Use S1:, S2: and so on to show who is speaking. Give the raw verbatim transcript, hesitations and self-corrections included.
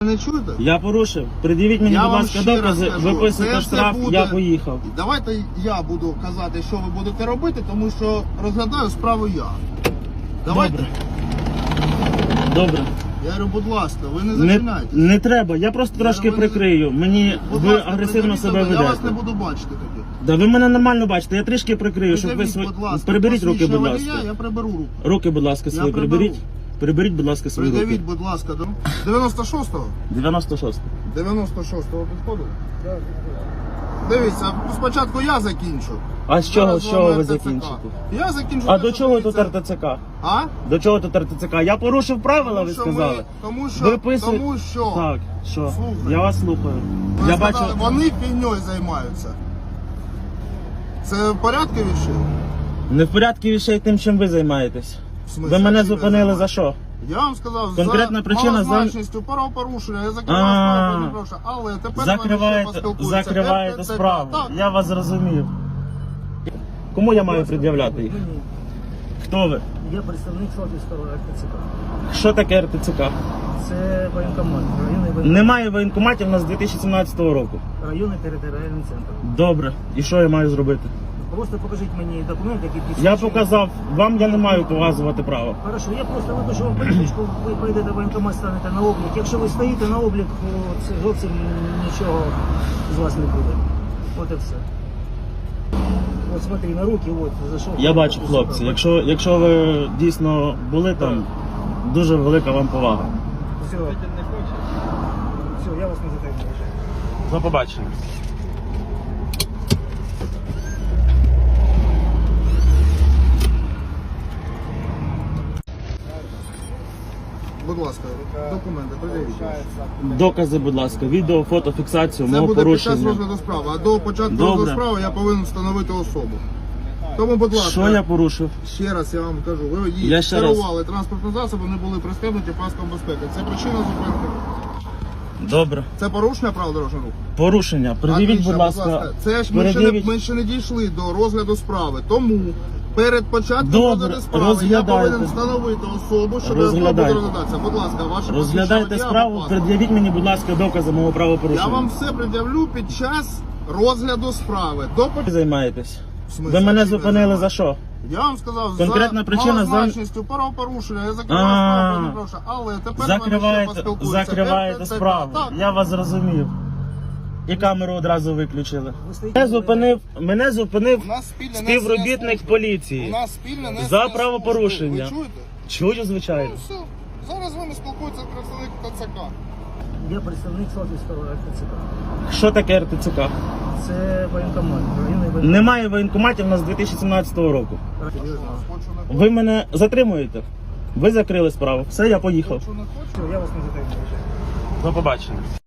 S1: Не чуєте?
S2: Я порушив. Пред'явіть мені,
S1: Я
S2: будь
S1: вам
S2: ласка,
S1: ще раз
S2: докази,
S1: кажу,
S2: виписуйте
S1: це все
S2: штраф,
S1: буде-
S2: я поїхав.
S1: Давайте я буду казати, що ви будете робити, тому що розглядаю справу я. Давайте.
S2: Добре. Добре.
S1: Я говорю, будь ласка, ви не
S2: Не,
S1: зачинайте.
S2: не треба, я просто трошки
S1: ви не-
S2: прикрию. Мені
S1: Будь
S2: ви
S1: ласка,
S2: агресивно
S1: придивіть
S2: себе
S1: себе, Я вас не
S2: ведете.
S1: буду бачити тоді.
S2: Да ви мене нормально бачите, я трішки прикрию, щоб ви
S1: Придивіть,
S2: свої...
S1: будь ласка,
S2: Приберіть руки, будь
S1: посвідчення
S2: ласка.
S1: водія, Я приберу руку.
S2: Руки, будь ласка,
S1: Я
S2: свої
S1: приберу.
S2: приберіть. Приберіть, будь ласка, свої руки.
S1: Придавіть, будь ласка, до дев'яносто шостого?
S2: дев'яносто шостий.
S1: дев'яносто шостого підходить? Дивіться, спочатку я закінчу.
S2: А з чого,
S1: Зараз
S2: з чого
S1: вам
S2: ви
S1: РТЦК.
S2: закінчите?
S1: Я закінчу.
S2: А
S1: те,
S2: до
S1: що
S2: чого тут
S1: дивіться.
S2: РТЦК?
S1: А?
S2: До чого тут РТЦК? Я порушив правила,
S1: Тому
S2: ви
S1: що
S2: сказали?
S1: ми- тому що-
S2: Виписуй-
S1: тому що-
S2: Так, що?
S1: Слухай.
S2: Я вас слухаю.
S1: Ви
S2: Я
S1: сказали,
S2: бачу...
S1: Вони фігньою займаються. Це в порядку віщі?
S2: Не в порядку вещей тим, чим ви займаєтесь.
S1: В смислі,
S2: Ви мене
S1: чим я
S2: зупинили за
S1: займаюся?
S2: що?
S1: Я вам сказав,
S2: Конкретна
S1: за
S2: причина за-
S1: малозначністю правопорушення, я закриваю
S2: А.
S1: справу, не прошу. Але тепер ми ще
S2: Закриваєте,
S1: поспілкуємося.
S2: закриваєте
S1: РТЦК.
S2: справу.
S1: Так.
S2: Я вас зрозумів. Кому я маю пред'являти їх?
S3: Мені.
S2: Хто ви?
S3: Я представник Славівського РТЦК.
S2: Що таке РТЦК?
S3: Це воєнкомат, районний воєнкомат,
S2: Немає воєнкоматів у нас з дві тисячі сімнадцятого року.
S3: районний територіальний центр.
S2: Добре. І що я маю зробити?
S3: Просто покажіть мені документ, який
S2: Я
S3: підтверджує.
S2: показав, вам я не маю показувати право.
S3: Хорошо, я просто випишу вам політичку, ви прийдете в воєнкомат, станете на облік. Якщо ви стоїте на облік, то це зовсім нічого з вас не буде. От і все. От смотри, на руки, от, зайшов.
S2: Я бачу, хлопці, якщо, якщо ви дійсно були там, дуже велика вам повага.
S3: Все, все, я вас не затримую.
S2: До побачення.
S1: Будь ласка, документи, придивіть.
S2: Докази, будь ласка, відео, фото, фіксацію
S1: Це
S2: мого
S1: буде під час
S2: порушення.
S1: розгляду справи, а до початку
S2: Добре.
S1: розгляду справи я повинен встановити особу. Тому, будь ласка,
S2: Що я порушив?
S1: ще раз я вам кажу, ви її
S2: Я ще
S1: керували транспортним засобом, не були пристебнуті паском безпеки. Це причина зупинки.
S2: Добре.
S1: Це порушення правил дорожнього руху?
S2: Порушення. Пред'явіть,
S1: Отлично,
S2: будь ласка.
S1: Це ж ми ще, не,
S2: перед'явіть.
S1: ми ще не дійшли до розгляду справи. Тому перед початком
S2: Добре,
S1: розгляду справи я
S2: розглядайте.
S1: повинен встановити особу, щоб
S2: Розглядайте.
S1: буде розглядатися. Будь ласка, ваше
S2: Розглядайте
S1: посвідчення
S2: справу,
S1: водія,
S2: пред'явіть мені, будь ласка, докази мого
S1: Я
S2: правопорушення.
S1: вам все пред'явлю під час розгляду справи. До поч-
S2: Ви займаєтесь?
S1: В смислі,
S2: Ви мене
S1: чим я
S2: зупинили за
S1: займаюся?
S2: що?
S1: Я вам сказав,
S2: Конкретна
S1: за
S2: причина за-
S1: малозначністю правопорушення, я закриваю
S2: А.
S1: справу, не прошу. Але тепер ми ще
S2: Закриваєте,
S1: поспілкуємося.
S2: закриваєте
S1: РТЦК.
S2: справу.
S1: Так.
S2: Я вас зрозумів. І камеру одразу виключили.
S3: Ви стоїте
S2: Мене
S3: на
S2: зупинив, мене зупинив
S1: У нас спільне
S2: співробітник
S1: несення служби.
S2: поліції.
S1: У нас спільне несення
S2: За
S1: служби.
S2: правопорушення.
S1: Ви чуєте?
S2: Чую, звичайно.
S1: Ну все. Зараз з вами спілкується представник ТЦК.
S3: Я представник Славівського РТЦК.
S2: Що таке РТЦК?
S3: Це воєнкомат, районний воєнкомат.
S2: Немає воєнкоматів у нас з дві тисячі сімнадцятого року.
S1: Хочу, не хочу.
S2: Ви мене затримуєте? Ви закрили справу. Все, я поїхав.
S1: Хочу, не хочу.
S3: Все, я вас не затримую.
S2: До побачення.